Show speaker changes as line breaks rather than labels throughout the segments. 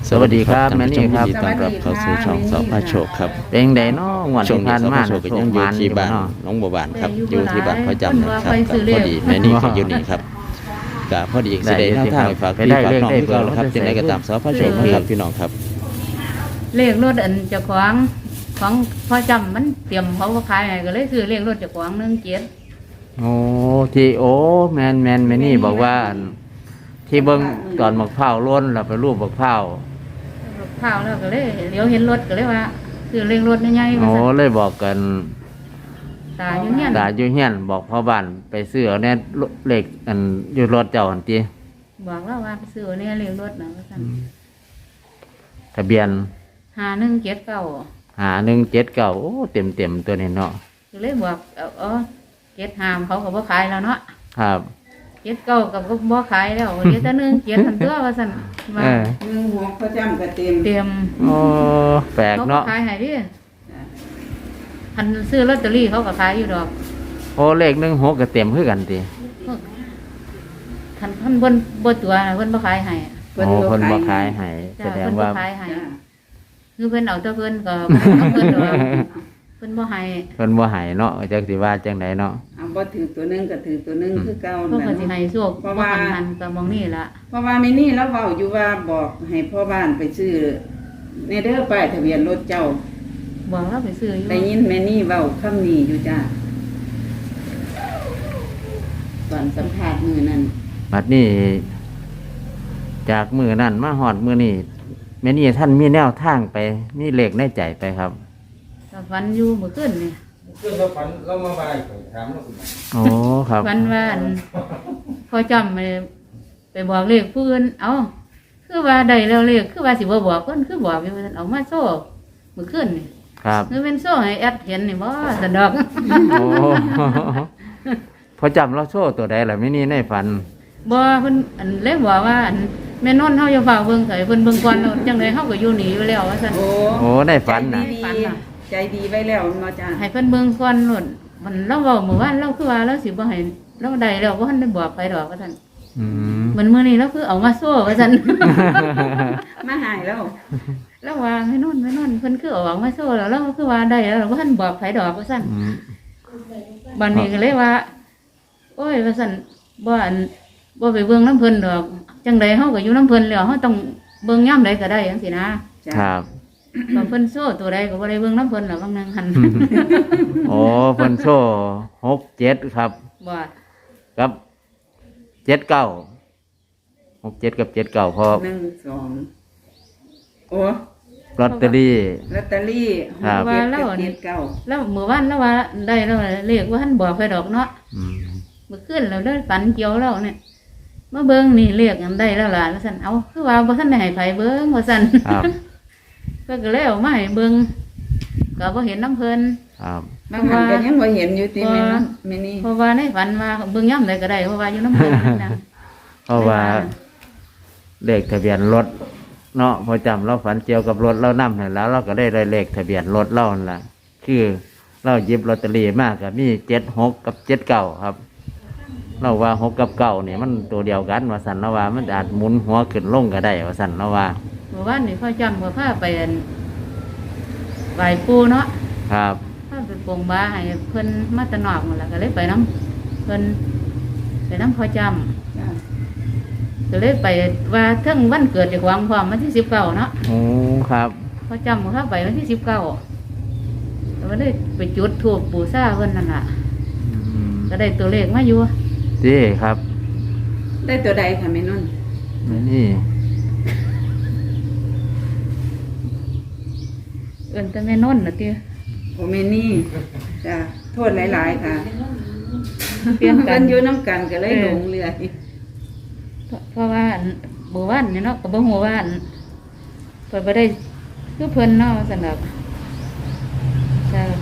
สวัสดีครับแม่นี่ครับ
ต้อนรับเข้าสู่ช่องสพโชคครับ
เป็นไดน้องวัน
ช่วง
ที่
นี้
ผ่าน
สพ
มา
โชคก็ยังอยู่ที่บ้านน้องบัวบานครับอยู่ที่บ้านพ่อจำนะครับก็พอดีแม่นี่ก็อยู่นี่ครับก็พอดีสิได้แนวทางไปฝากพี่ฝากน้องเพื่อนครับจึงได้ก็ตามสพโชคนะครับพี่น้องครับ
เลขรถอันเจ้าของพ่อจำมันเตรียมเขาขายให้ก็เลยซื้อเลขรถเจ้าของ17
โอ้ที่โอ้แมนแม่นี่บอกว่าอันที่เบิ้งตอนบักเผาวล้นเราไปรูปบักเผาว
ข้าวแล้วก็เลยเลี้ยวเห็นรถก็เลยว่าซื้อเลขรถใหญ่ๆมา
โอ้
สั่น
เลยบอกกัน
ตาอยู่เงี้ย
ตาอยู่เฮียนบอกพ่อบ้านไปซื้อเอาแน่เลขอันอยู่รถเจ้าอันตี
บอกว่าไปซื้อเนี่ยเลขรถนะว่าสั่น
ทะเบียน
5179
5179โอ้เต็มตัวนี้เนาะ
ก็เลยบอก75เขาก็บ่ขายแล้วเนาะ
ครับ
79ก็บ่ขายแล้วเดี๋ยวแต่17ทันตัวว่าสั่นว่า
16พ่อจำก็เต็ม
เตรียม
โอ้แปลก
เขาก็
เนาะ
ขายให้ดิคันซื้อลอตเตอรี่เขาก็ขายอยู่ดอก
โอ้เลข16ก็เต็มคือกันติ
คันเพิ่นบ่ตัวน่ะเพิ่นบ่ขายให้
โอ้เพิ่นบ่ขายให้
จ้ะ
แสดง
เพิ่นบ่
ว่า
ขายให้คือเพิ่นเอาแต่เพิ่นก็บ่เอาเพิ่นดอกเพิ่นบ่ให้
เพิ่นบ่ให้เนาะจักสิว่าจังไดเนาะ
เอาบ่ถือตัวนึงก็ถือตัวนึงคือเก่า
เพิ่นก็
นั่น
สิให้โชค
เพราะ
บ่
ว่า
หันก็มองนี่ล่ะ
เพราะว่าแม่นี่แล้วเว้าอยู่ว่าบอกให้พ่อบ้านไปซื้อในเด้อป้ายทะเบียนรถเจ้า
บอกเราไปซื้ออยู่
ได้ยินแม่นี่เว้าคำนี้อยู่จ้าตอนสัมภาษณ์มื้อนั้น
บัดนี้ จากมื้อนั้นมาฮอดมื้อนี้แม่นี่ท่านมีแนวทางไปมีเลขในใจไปครับ
ก็ฝันอยู่เมื่อคืนนี่
เพื่อนเราฝันเรามาบ่ายถามเราคุณ
โอ้ครับ
ฝันว่าอันพอจำไปบอกเลขผู้อื่นเอ้าคือว่าได้แล้วเลขคือว่าสิบ่บอกเพิ่นคือบอกอยู่ว่าซั่นเอามาโซ่เมื่อคืนนี่
ครับ
คือเป็นโซ่ให้แอดเห็นนี่บ่สะดอก
โอ้ พอจำเราโชว์ตัวใดล่ะแม่นี่ในฝัน
บ่เพิ่นอันเลยบอกว่าอันแม่นนท์เฮาอย่าฝากเบิ่งไสเพิ่นเบิ่งก่อนแล้วจังได๋เฮาก็อยู่หนีอยู่แล้วว่าซั่น
โอ้ในฝันน่ะ
ฝันน่ะ
ใจดีไว้แล้วเนาะจ้า
ให้เพิ่นเบิ่งก่อนโนู่นมันเราเว้าเมื่อวานเราคือว่าเราสิบ่ให้เราได้แล้วบ่ทันได้บอกไปดอกว่าซั่น
อืม
มันมื้อนี้เราคือเอามาโซ่ว่าซั่น
มาหายแล้ว
แล้วว่าแม่นนท์เพิ่นคือเอามาโซ่แล้วเราคือว่าได้แล้วเราบ่ทันบอกไผดอกว่าซั่น
อืม
บัดนี้ก็เลยว่า โอ้ยว่าซั่นบ่อันบ่ไปเบิ่งน้ำเพิ่นดอกจังไดเฮาก็อยู่น้ำเพิ่นแล้วเฮาต้องเบิ่งยามใดก็ได้จังซี่นะ
จ้า
ครับ
บางเพิ่นโซ่ตัวใดก็บ่ได้เบิ่งน้ำเพิ่นหรอกบางนางหัน
โอ้เพิ่นโชว์67ครับ
บ่
กับ79 67กับ79พอ
1 2โอ้
ลอตเตอรี่
ลอตเตอรี่
ครับ
6 7กับ7 9
แล้วเมื่อวานแล้วว่าได้แล้วเลขว่าท่านบอกไปดอกเนาะ
อืม
เมื่อคืนเราได้ฝันเกี่ยวแล้วเนี่ยมาเบิ่งนี่เลขอันได้แล้วล่ะว่าซั่นเอาคือว่าบ่ทันได้ให้ไผเบิ่งว่าซั่น
ครับ
เพิ่นก็เลยเอามาให้เบิ่งก็บ่เห็นน้ำเพิ่น
ครับ
บางหันก็ยังบ่เห็นอยู่ติแม่เนาะแม่นี่
เพราะว่าในฝันว่าเบิ่งยามใดก็ได้เพราะว่าอยู่น้ำเพิ่นนั่นนะ
เพราะว่าเลขทะเบียนรถเนาะพอจำเราฝันเกี่ยวกับรถเรานำให้แล้ว เราก็ได้เลขทะเบียนรถเรานั่นล่ะคือเราหยิบลอตเตอรี่มากกับมี76กับ79ครับ เราว่า6กับ9นี่มันตัวเดียวกันว่าสันเราว่ามันอาจหมุนหัวขึ้นลงก็ได้ว่าสันเราว่า
เมื่อวานนี่พ่อจำก็พาไปอันไหว้ปู่เนาะ
ครับ
พาไปปลงบาให้เพิ่นมาแตะนอกนั่นล่ะก็เลยไปน้ำเพิ่นไปน้ำพ่อจำ
จ้า
ก็เลยไปว่าเทั้งวันเกิดจากหวังความวันที่19เนาะ
โอ้ครับ
พอจำเขาไปวันที่19แล้วก็เลยไปจุดธูปบูชาเพิ่นนั่นล่ะ
อืม
ก็ได้ตัวเลขมาอยู่
ดีครับ
ได้ตัวใดค่ะแม่นุ่น
นี่
เอิ้นแต่แม่นนท์น่ะติ
โอแม่นี่จ้าโทษหลายๆค่ะ
เปลี่ยนกั
เพิ่
น
นอยู่น้ำกันก็เลยหลงเรือ
เพราะว่าอันบ่วันนี่เนาะก็บ่ฮู้ว่าอันเพิ่นบ่ได้คือเพิ่นเนาะซั่นดอกจ้า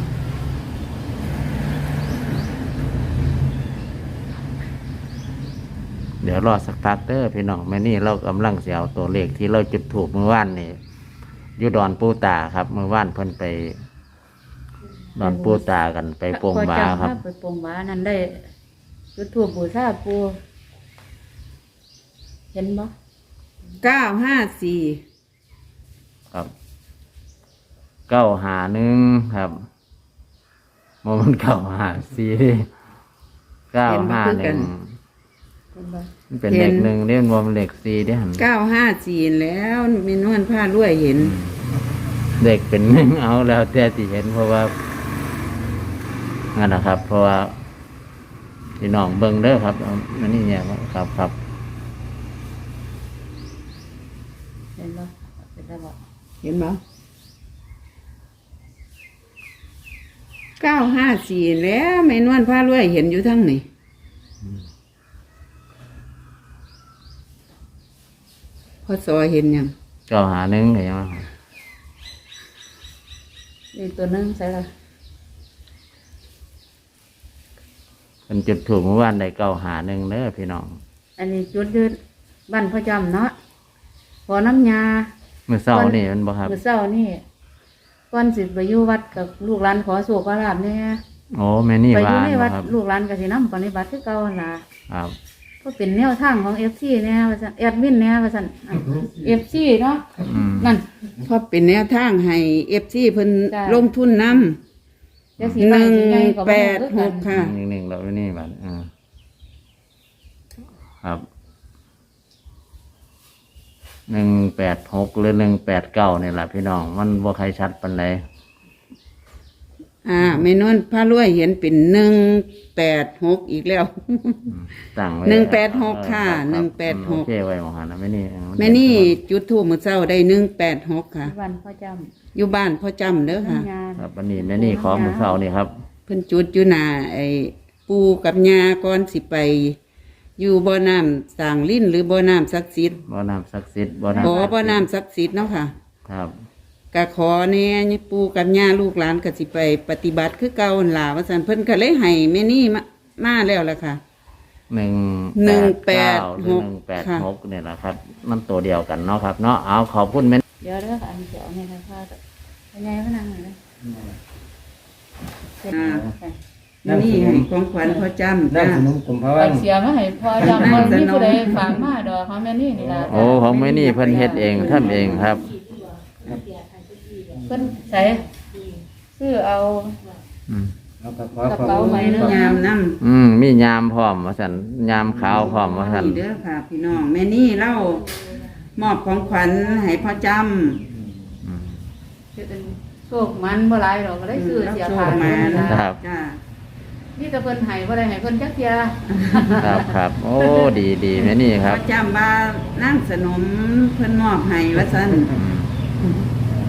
เดี๋ยวรอสักพักเด้อพี่น้องแม่นี่เรากำลังเสียเอาตัวเลขที่เราจุดถูกเมื่อวานนี่อยู่ดอนปูตาครับเมื่อวานเพิ่นไปดอนปูตากันไปโปงบาครับ
พอจำภพไปโปงบานั่นได้จุดธูปบูชาปู่เห็นบ่
954
ครับ951ครับมัน954 951มันเป็นเลขหนึ่งเรียกว่ามันเลข4เด้หั่น
954แล้วมีนวลผ้ารวยเห็น
เด็กเป็นหนึ่งเอาแล้วแต่ที่เห็นเพราะว่านั่นนะครับ เพราะว่าพี่น้องเบิ่งเด้อครับเอาอันนี้เนี่ยครับ
เห็นบ่เป็นได้บ่
เห็นบ่954แล้วแม่นวลผ้ารวยเห็นอยู่ทั้งนี่พอสอเห็นยัง
951เห็นไหม
นี่ตัวหนึงใส่ละ
เป็นจุดถูกเมื่อวานได้951เด้อพี่น้อง
อันนี้จุดยืดบ้านพ่อจำเนาะพอน้ำยา
เมื่อเช้านี่มันบ่ครับ
มื้อเช้านี่ก่อนสิไปอยู่วัดกับลูกหลานขอโชคขอลาภเนี่ย
โอ้แม่นี่
ไปอ
ว่า
ยู่ในวัด
ครับ
ลูกหลานก็สินำปฏิบัติคือเก่าหั่นล่ะ
ครับ
ก็เป็นแนวทางของ FC แน่ว่าซั่นแอดมินแน่ว่าซั่นFC เนาะ
อืม
นั่น
เพราะเป็นแนวทางให้ FC เพิ่น
จ้ะ
ลงทุนนำ
จะสิไปสิใหญ่ก็บ่รู้คือกัน
186ค่ะ
หนึ่งแล้วนี่บัดครับ186หรือ189นี่แหละพี่น้องมันบ่ใครชัดปานใด
แม่นวลผ้ารวยเห็นเป็น186อีกแล้ว
ตั้งไว้
186ค่ะ
รับ
186
โอเคไว้หมอหันนะแม่นี่
แม่นี่จุดธูปมื้อเช้าได้186ค่ะ
วันพ่อจ
อยู่บ้านพ่อจำเด้อ
ำ
ค่ะ
ทำงาน
ครับวันนี้แม่นี่ของมื้อเช้านี่ครับ
เพิ่นจุดอยู่หน้าไอ้ปู่กับย่าก่อนสิไป อยู่บ่อน้ำสร้างลิ้นหรือบ่อน้ำศักดิ์สิทธิ์
บ่อน้ำศักดิ์สิทธิ์บ่อ
บ่
น้ำ
บ่อน้ำศักดิ์สิทธิ์เนาะค่ะ
ครับ
ก็ขอแน่ปู่กับย่าลูกหลานก็สิไปปฏิบัติคือเก่าหั่นล่ะว่าซั่นเพิ่นก็เลยให้แม่นี่มาแล้วล่ะค่ะ
186
ค่ะ
เนี่ยแหละครับ มันตัวเดียวกันเนาะครับเนาะเอาขอบคุณแม่
เดี๋ยวเด้ออันเดี๋ยวเนี่ยค่ะพ่อเป็นไงพนังหน่อยนะเสร็จแล้วค่ะ
แม่นี่ให้ของขวัญพ่อจำ
นั่
จ้าง
ขนมกลุ่มพะ
ฝา
ว่าก
เสียมาให้พ่อจำคนที่ผู้ใดฝากมาดอกเขาแม่นี่นี่ล่ะ
โอ้ของแม่นี่เพิ่นเฮ็ดเองทำเองครับ
เพิ่นใส่ซื้อเอา
อืม
แล้วก็ขอขอบ
กระเป๋า
คุณ
ใหม่เนอะ
ยามนำ
มียามพร้อมว่าซั่นยามขาวพร้อมว่าซั่น
นี่เด้อค่ะ พี่น้องแม่นี่เล่ามอบของขวัญให้พ่อจำ
อืม
โชคมันบ่หลายดอกก็ได้ซื้อเสียผ่าน
มา
นั่นล่ะ
ครับ
จ้า
นี่แต่เพิ่นให้บ่ได้ให้เพิ่นจักเที่ย
ครับโอ้ดีแม่นี่ครับ
พ่อจำว่านั่งสนมเพิ่นมอบให้ว่าซั่น
อืม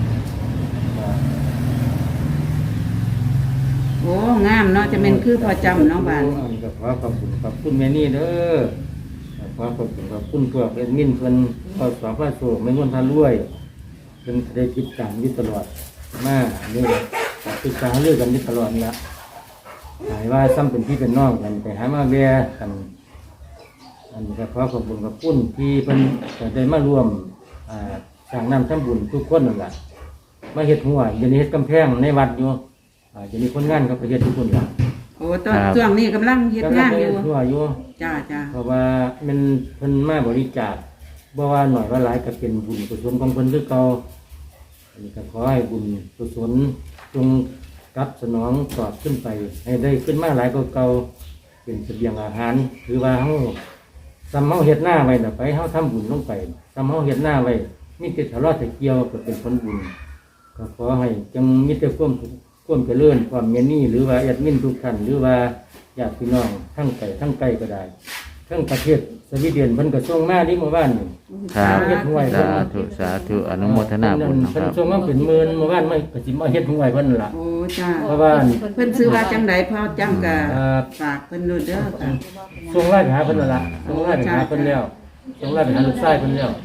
โอ้งามเนาะจะเป็นคือพ่อจำเนาะบ้าน
ก็ขอขอบคุณแม่นี่เด้อขอขอบคุณพวกเอ็ดมินเพิ่นขอสอบพระโสไม่ล้วนพารวยเพิ่นได้ติดตามอยู่ตลอดมานี่ติดตามเรื่องกันอยู่ตลอดนี่ละหายว่าซ้ำเป็นพี่เป็นน้องกันไปหามาแวะกันอันนี้ก็ขอขอบคุณที่เพิ่นก็ได้มาร่วมสร้างน้ำทำบุญทุกคนนั่นแหละมาเฮ็ดหัวเดี๋ยวนี้เฮ็ดกำแพงในวัดอยู่เดี๋ยวนี้คนงานก็ไปเฮ็ดทุกคนละ
โอ้ตอนช่วงนี้กำลังเฮ็ดงานอยู่
ก็ไปเฮ็ดหัวอยู่
จ้าจ้า
เพราะว่ามันเพิ่นมาบริจาคบ่ว่าหน่อยว่าหลายก็เป็นบุญกุศลของเพิ่นคือเก่าอันนี้ก็ขอให้บุญกุศลจงกลับสนองตอบขึ้นไป ให้ได้ขึ้นมาหลายกว่าเก่าเป็นเสบียงอาหารคือว่าเฮาซ้ำเฮาเฮ็ดหน้าไว้น่ะไปเฮาทำบุญลงไปซ้ำเฮาเฮ็ดหน้าไว้มีแต่ทะเลาะแต่เกี่ยวก็เป็นผลบุญก็ขอให้จงมีแต่ความเจริญความเมนี่หรือว่าแอดมินทุกท่านหรือว่าญาติพี่น้องทั้งไกลทั้งไกลก็ได้ ทั้งประเทศสวีเดนเพิ่นก็ส่งมาที่เมื่อวานนี่
ครับ
เฮ็ดห้วย
สาธุอนุโมทนาบุญนะค
เพิ่น
รับ
ส่งมาเป็นหมื่นเมื่อวานไม่ก็สิมาเฮ็ดห้วยเพิ่นนั่นล่ะ
โอ้จ้า
เพราะว่า
เพิ่นซื้อว่าจังไดพ่อจำก็
เอ่อ
ฝากเพิ่นด้วยเด้อค่ะ
ส่งไล่ไปหาเพิ่นนั่นล่ะส่งไล่ไปหาเพิ่นแล้วส่งไล่ไปหาลูกชายเพิ่นแล้ว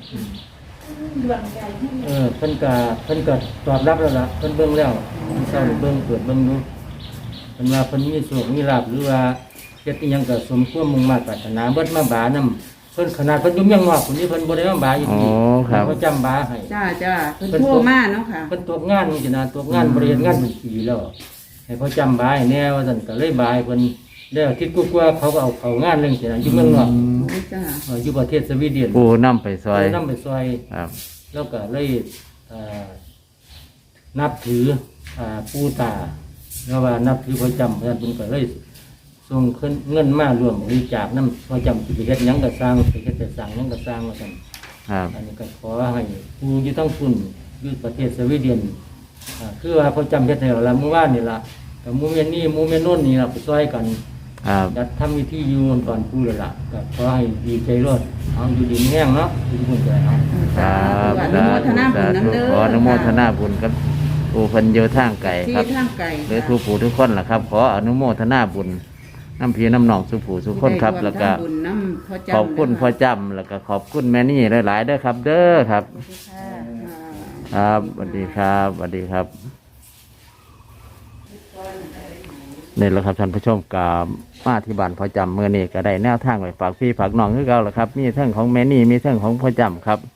เพิ่นก็ตอบรับแล้วล่ะเพิ่นเบิ่งแล้วเช้านี่เบิ่งเปิดเบิ่งดูเพิ่นว่าเพิ่นมีโชคมีลาภหรือว่าเฮ็ดอีหยังก็สมความมุ่งมั่นปรารถนาเบิดมาบานํเพิ่นขนาดเพิ่นอยู่เมืองนอกคนนี้เพิ่นบ่ได้มาบาอยู่ที่
โอ้ครับ
เขาจำบาให้
จ้าเพิ่นโทรมาเนาะค่ะ
เพิ่นตกงานนี่สินะตกงานบริเวณงานเป็นปีแล้วให้เขาจำบาให้แน่ว่าซั่นก็เลยบายเพิ่นแล้วอาทิตย์กว่าๆเขาก็เอาเข้างานเรื่องสินะอยู่เมืองนอก
โอ้จ้า
อยู่ประเทศสวีเดน
ปูนำไปซอย
นำไปซอย
ครับ
แล้วก็เลยเอ่อนับถือปู่ตาแล้วว่านับถือพระจำเพราะฉะนั้นเพิ่นก็เลยส่งเงินมารวมบริจาคน้ำพระจำสิไปเฮ็ดหยังก็สร้างไปเฮ็ดแต่สร้างหยังก็สร้างว่าซั่น
ครับ
อันนี้ก็ขอให้ผู้อยู่ทั้งฝุ่นอยู่ประเทศสวีเดนคือว่าพระจำเฮ็ดให้เราละเมื่อวานนี่ล่ะกับหมู่แม่นี่หมู่แม่โน่นนี่ล่ะไปช่วยกัน
ครับ
จัดทำวิธีอยู่ก่อนผู้เลยล่ะก็ขอให้ดีใจรอดเอาอยู่ดินแห้งเนาะอยู่บุญใจเนาะ
ครับ
อนุโมทนาบุญน้ำเด้อ
ขออนุโมทนาบุญกับผู้เพิ่นอยู่ทางไกล
ที่
ครับ
ทางไกล
หรือทุกผู้ทุกคนล่ะครับ ขออนุโมทนาบุญน้ำพี่น้ำหนองสุผู้สุคนครับ แล้วก็
บุญน้ำพ่อจำ
ขอบคุณพ่อจำแล้วก็ขอบคุณแม่นี่หลายๆเด้อครับ เด้อครับ ครับสวัสดีครับสวัสดีครับนี่แหละครับท่านผู้ชมกามาที่บ้านพ่อจำเมื่อนี้ก็ได้แนวทางไปฝากพี่ฝากน้องคือเก่าแล้วครับ มีเรื่องของแม่นี่มีเรื่องของพ่อจำครับ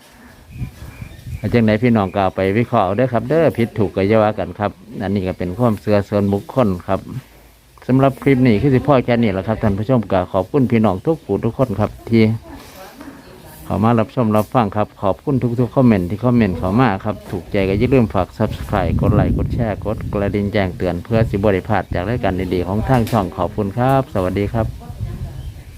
จังไหนพี่น้องก็เอาไปวิเคราะห์เอาเด้อครับ เด้อผิดถูกก็อย่าว่ากันครับอันนี้ก็เป็นความเชื่อส่วนบุคคลครับสำหรับคลิปนี้คือสิพ่อแค่นี้แหละครับท่านผู้ชมก็ขอบคุณพี่น้องทุกผู้ทุกคนครับที่เข้ามารับชมรับฟังครับขอบคุณทุกๆคอมเมนต์ที่คอมเมนต์เข้ามาครับถูกใจก็อย่าลืมฝาก Subscribe กดไลค์กดแชร์กดกระดิ่งแจ้งเตือนเพื่อสิบริพลาดจากรายการดีๆของทางช่องขอบคุณครับ สวัสดีครับ